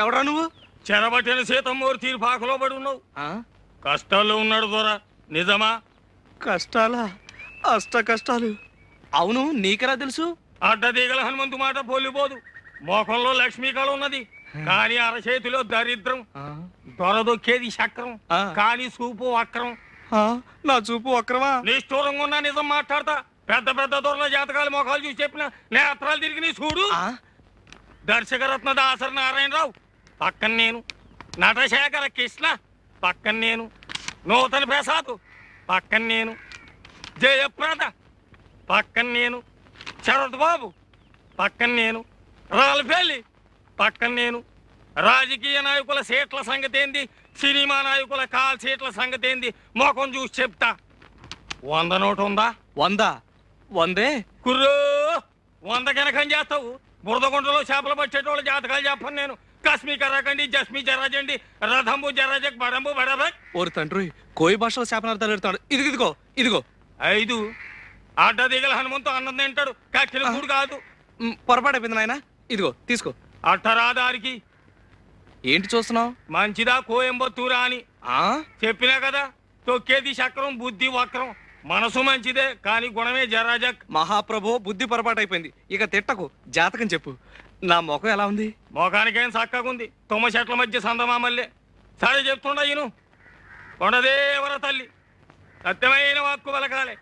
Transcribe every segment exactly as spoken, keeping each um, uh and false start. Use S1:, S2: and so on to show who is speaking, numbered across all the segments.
S1: ఎవడా నువ్వు?
S2: చెరబట్టిన సీతమ్మూరి తీర్పాకలో పడి ఉన్నావు. కష్టాల్లో ఉన్నాడు దొరా, నిజమా?
S1: కష్టాలా? అష్ట కష్టాలు. అవును, నీకెలా తెలుసు?
S2: అడ్డదీగల హనుమంతు మాట పోలిపోదు. మోకంలో లక్ష్మీ కళ ఉన్నది, కానీ అరచేతిలో దరిద్రం. దొరదొక్కేది చక్రం, కానీ చూపు వక్రం.
S1: నా చూపు వక్రమా?
S2: నిష్ఠూరంగా ఉన్నా నిజం మాట్లాడతా. పెద్ద పెద్ద దొరల జాతకాలు మొఖాలు చూసి చెప్పిన నేత్రాలు తిరిగి నీ చూడు. దర్శకరత్న దాసరి నారాయణరావు పక్కన నేను, నటశేఖర కృష్ణ పక్కన నేను, నూతన ప్రసాద్ పక్కన నేను, జయప్రద పక్కన నేను, శరత్ బాబు పక్కన నేను, రాల్ఫెల్లి పక్కన నేను. రాజకీయ నాయకుల సీట్ల సంగతి ఏంది, సినిమా నాయకుల కాల్ సీట్ల సంగతి ఏంది మొఖం చూసి చెప్తా. వంద నోటు ఉందా?
S1: వంద వందే
S2: కుర్రో, వంద కనకం చేస్తావు. బురదగుంటలో చేపలు పట్టేటోళ్ళ జాతకాలు చెప్పను నేను. కశ్మీ కరాకండి, జస్మీ జరాజండి, రథంబు జరాజక్, బడంబు బడబక్.
S1: ఓరు తండ్రి, కోయి భాషలో శాపనార్థాలు పెడతాడు. ఇదిగో ఇదిగో ఇదిగో
S2: ఐదు అడ్డదిగల హనుమంతు అన్నం తింటాడు, కక్కిన కూడు కాదు.
S1: పొరపాటు అయిపోయింది నాయన. ఇదిగో తీసుకో.
S2: అట్టరాదారికి
S1: ఏంటి చూస్తున్నావు?
S2: మంచిదా కోయంబత్తూరా అని చెప్పినా కదా. తొక్కేది చక్రం, బుద్ధి వక్రం. మనసు మంచిదే, కానీ గుణమే జరాజక్.
S1: మహాప్రభు, బుద్ధి పొరపాటు అయిపోయింది. ఇక తిట్టకు, జాతకం చెప్పు. నా ముఖం ఎలా ఉంది?
S2: ముఖానికేం చక్కగుంది, తుమ్మ చెట్ల మధ్య సందమామల్లే. సరే చెప్తుండా ఈను. కొండదేవర తల్లి సత్యమైన వాక్కు పలకాలే.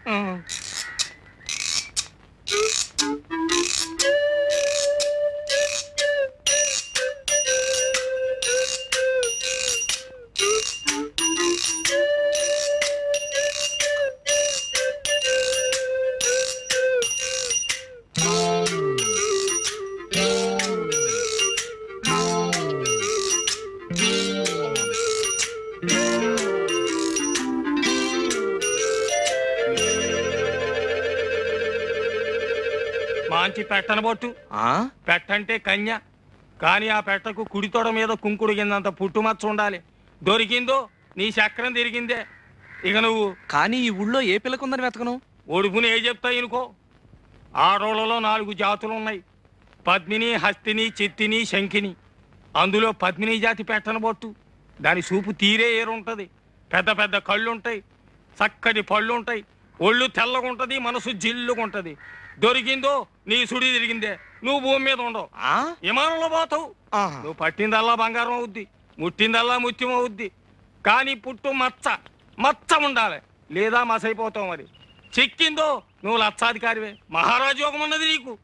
S2: మంచి పెట్టనబొట్టు. పెట్టంటే కన్య, కానీ ఆ పెట్టకు కుడితోడ మీద కుంకుడు కిందంత పుట్టుమచ్చ ఉండాలి. దొరికిందో నీ చక్రం తిరిగిందే. ఇక నువ్వు
S1: కానీ ఈ ఊళ్ళో ఏ పిల్లకుందని వెతకను?
S2: ఒడుపుని ఏ చెప్తాయి అనుకో. ఆడోళ్ళలో నాలుగు జాతులు ఉన్నాయి, పద్మిని, హస్తిని, చిత్తిని, శంఖిని. అందులో పద్మిని జాతి పెట్టనబొట్టు. దాని చూపు తీరే ఏరుంటది. పెద్ద పెద్ద కళ్ళుంటాయి, చక్కటి పళ్ళుంటాయి, ఒళ్ళు తెల్లగుంటది, మనసు జిల్లుగుంటది. దొరికిందో నీ సుడి తిరిగిందే. నువ్వు భూమి మీద ఉండవు, విమానంలో పోతావు. నువ్వు పట్టిందల్లా బంగారం అవుద్ది, ముట్టిందల్లా ముత్యం అవుద్ది. కానీ పుట్టు మచ్చ మచ్చ ఉండాలి, లేదా మసైపోతావు. మరి చిక్కిందో నువ్వు లక్షాధికారివే. మహారాజు యోగం ఉన్నది నీకు.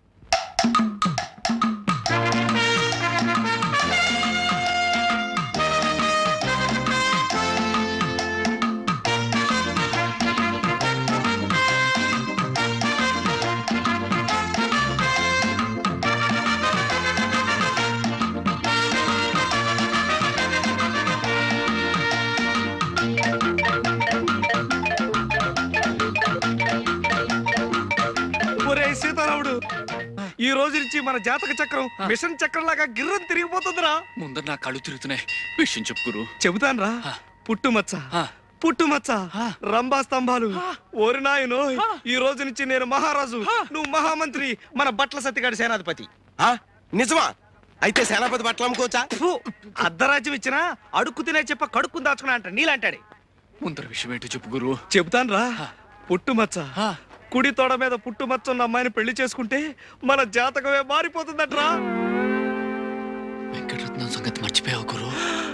S1: ఈ రోజు నుంచి మన జాతక చక్రం మిషన్ చక్రం లాగా గిర్రం తిరిగిపోతుందిరా.
S3: ముందర నా కళ్ళు తిరుగుతున్నాయి, విషయం చెప్పుకురు.
S1: చెబుతాను రా. పుట్టుమచ్చ పుట్టుమచ్చ, రంభా స్తంభాలు. ఓరి నాయనో, ఈ రోజు నుంచి నేను మహారాజు, నువ్వు మహామంత్రి, మన బట్ల సత్తిగాడి సేనాధిపతి.
S4: నిజమా? అయితే సేనాపతి బట్టలు అమ్ముకోవచ్చా?
S1: అర్ధరాజ్యం ఇచ్చినా అడుక్కు తినే చెప్ప కడుక్కుని దాచుకున్నా అంట నీలాంటాడే.
S3: ముందర విషయం ఏంటో చెప్పు గురు.
S1: చెబుతాను రా. పుట్టుమచ్చ, కుడి తోడ మీద పుట్టుమచ్చ ఉన్న అమ్మాయిని పెళ్లి చేసుకుంటే మన జాతకమే మారిపోతుందట్రా.
S3: వెంకటరత్నం సంగతి మర్చిపోయావు గురు.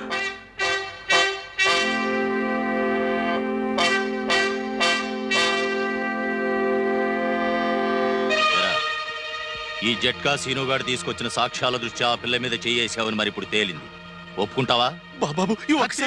S5: ఈ జట్కా సీనుగాడు తీసుకొచ్చిన సాక్ష్యాల దృష్ట్యా ఆ పిల్ల మీద చేయేసావని మరి ఇప్పుడు తేలింది. ఒప్పుకుంటావా?
S3: బాబాబు,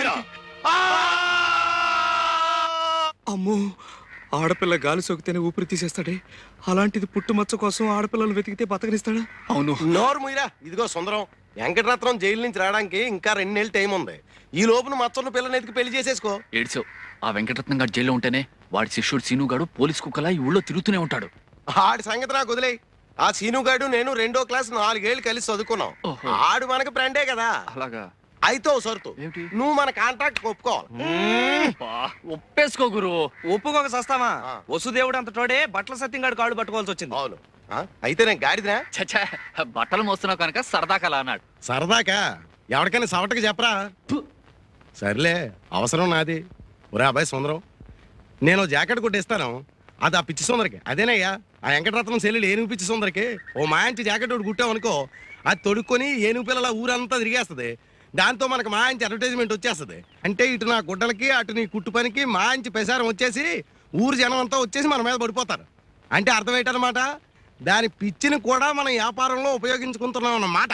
S1: అమ్మో, ఆడపిల్ల గాలి సోకితేనే ఊపిరి తీసేస్తాడే, అలాంటిది పుట్టుమచ్చ కోసం ఆడపిల్లలు వెతికితే బతకనిస్తాడా?
S3: అవును.
S4: నోరు ముయిరా. ఇదిగో సుందరం, వెంకటరత్నం జైలు నుంచి రావడానికి ఇంకా రెండు నెలలు టైం ఉంది. ఈ లోపున మచ్చన్న పిల్లని ఎతికి పెళ్లి చేసేసుకో.
S3: ఏడ్చావు. ఆ వెంకటరత్నం గారు జైల్లో ఉంటేనే వాడి శిష్యుడు సీనుగాడు పోలీస్ కుక్కలా ఈ ఊళ్ళో తిరుగుతూనే ఉంటాడు.
S4: ఆడి సంగతి నాకు వదిలే. ఆ సీనుగాడు నేను రెండో క్లాస్ నాలుగేళ్లు కలిసి చదువుకున్నాం. ఆడు మనకు ఫ్రెండే కదా.
S3: అలాగా?
S4: అయితే సరుతు, నువ్వు మన కాంట్రాక్ట్ ఒప్పుకోవాలి.
S3: ఒప్పేసుకో గురు.
S1: ఒప్పుకోక సస్తామా? వసుదేవుడు అంత తోడే బట్టల సత్యంగాడు కాళ్ళు పట్టుకోవాల్సి వచ్చింది.
S4: అవును. ఆ? అయితే నేను గాడిదినా?
S3: చచ్చా బట్టలు మోస్తున్నావు కనుక సరదా కలా అన్నాడు.
S4: సరదాకా ఎవరికైనా సవటకి చెప్పరా? ఫు. సర్లే, అవసరం నాది. ఒరే అబ్బాయి సుందరం, నేను జాకెట్ కొట్టిస్తాను, అది ఆ పిచ్చి సుందరికి. అదేనయ్యా ఆ వెంకటరత్నం సెల్లుడు ఏనుగు పిచ్చి సుందరికి ఓ మాంచి జాకెట్ ఒకటి కుట్టామనుకో, అది తొడుక్కొని ఏనుగు పిల్లల ఊరంతా తిరిగేస్తుంది. దాంతో మనకు మాంచి అడ్వర్టైజ్మెంట్ వచ్చేస్తుంది. అంటే ఇటు నా గుడ్డలకి అటు నీ కుట్టు పనికి మాంచి ప్రసారం వచ్చేసి ఊరు జనం అంతా వచ్చేసి మన మీద పడిపోతారు. అంటే అర్థం ఏంటన్నమాట, దాని పిచ్చిని కూడా మనం వ్యాపారంలో ఉపయోగించుకుంటున్నాం అన్నమాట.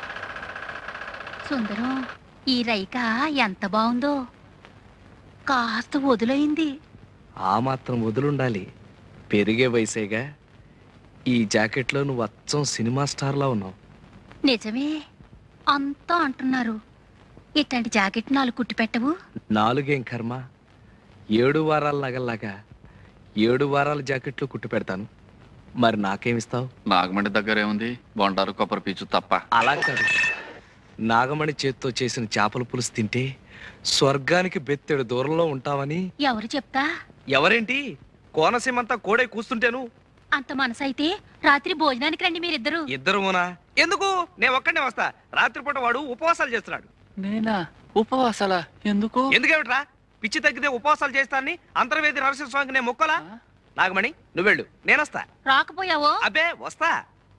S6: సుందరం, ఈ రైక ఎంత బాగుందో, కాస్త వదులైంది.
S7: ఆ మాత్రం వదులుండాలి, పెరిగే వయసేగా. ఈ జాకెట్లో నువ్వు అచ్చం సినిమా స్టార్లా ఉన్నావు.
S6: నిజమే అంతా అంటున్నారు. ఇట్లాంటి జాకెట్ నాలుగు కుట్టి పెట్టవు?
S7: నాలుగేం కర్మ, ఏడు వారాల నగల్లాగా ఏడు వారాల జాకెట్లు కుట్టి పెడతాను. మరి నాకేమిస్తావు?
S3: నాగమండి దగ్గర ఏముంది, బొండారు కొబ్బరి పీచు తప్ప.
S7: అలా కాదు, నాగమణి చేత్తో చేసిన చేపల పులుసు తింటే స్వర్గానికి బెత్తెడు దూరంలో ఉంటావని.
S6: ఎవరు చెప్తా?
S7: ఎవరేంటి, కోనసీమంతా కోడే కూస్తుంటేను.
S6: అంత మనసైతే రాత్రి భోజనానికి రండి మీరిద్దరు.
S7: ఇద్దరునా? ఎందుకు, నేను ఒక్కడే వస్తా. రాత్రిపూట వాడు ఉపవాసాలు చేస్తున్నాడు.
S3: నేనా ఉపవాసాలా? ఎందుకు?
S7: ఎందుకేమిట్రా, పిచ్చి తగ్గితే ఉపవాసాలు చేస్తానని అంతర్వేది నరసింహస్వామికి నేను మొక్కలా? నాగమణి నువ్వెళ్ళు, నేనొస్తా.
S6: రాకపోయావో?
S7: అబ్బే వస్తా.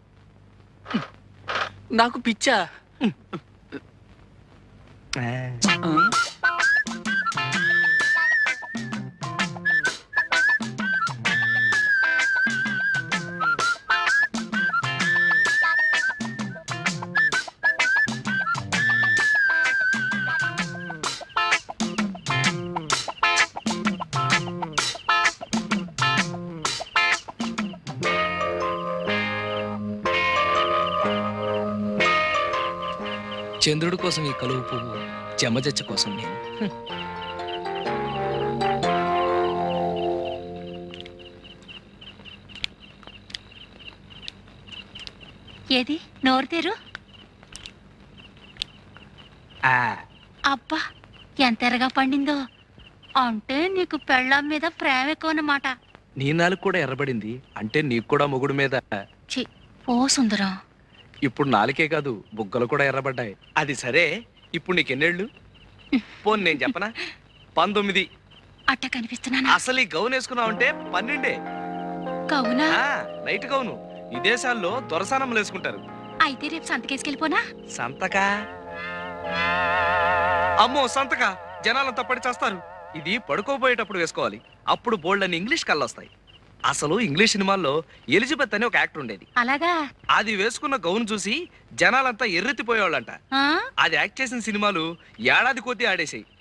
S3: నాకు పిచ్చా?
S7: చంద్రుడి కోసం ఈ కలువు పువ్వు, చెమ్మజచ్చ కోసం నేను.
S6: ఏది నోరు తెరు.
S7: ఆ,
S6: అబ్బా ఎంత ఎరగా పండిందో. అంటే నీకు పెళ్ళాం మీద ప్రేమ ఎక్కువ అన్నమాట.
S7: నీ నాలుగు కూడా ఎర్రబడింది అంటే నీకు కూడా మొగుడు మీద.
S6: ఛీ, ఓ సుందరం.
S7: ఇప్పుడు నాలుకే కాదు, బుగ్గలు కూడా ఎర్రబడ్డాయి. అది సరే, ఇప్పుడు నీకెన్నేళ్ళు? పోన్ నేను చెప్పనా, పంతొమ్మిది.
S6: అట్ట కనిపిస్తున్నానా?
S7: అసలు ఈ గౌన్ వేసుకున్నావంటే పన్నెండే.
S6: కవునా?
S7: ఆ, నైట్ గౌను విదేశాల్లో దొరసానములు వేసుకుంటారు.
S6: అయితే రేపు సంతకేసుకెళ్ళిపోనా?
S7: సంతకా? అమ్మో సంతకా, జనాలంతా పడి చేస్తారు. ఇది పడుకోబోయేటప్పుడు వేసుకోవాలి, అప్పుడు బోల్డ్ అని ఇంగ్లీష్ కళ్ళొస్తాయి. అసలు ఇంగ్లీష్ సినిమాల్లో ఎలిజబెత్ అని ఒక యాక్టర్ ఉండేది.
S6: అలాగా?
S7: అది వేసుకున్న గౌన్ చూసి జనాలంతా ఎర్రెత్తిపోయేవాళ్ళంట.
S6: ఆ?
S7: అది యాక్ట్ చేసిన సినిమాలు ఏడాది కొద్దీ ఆడేసాయి.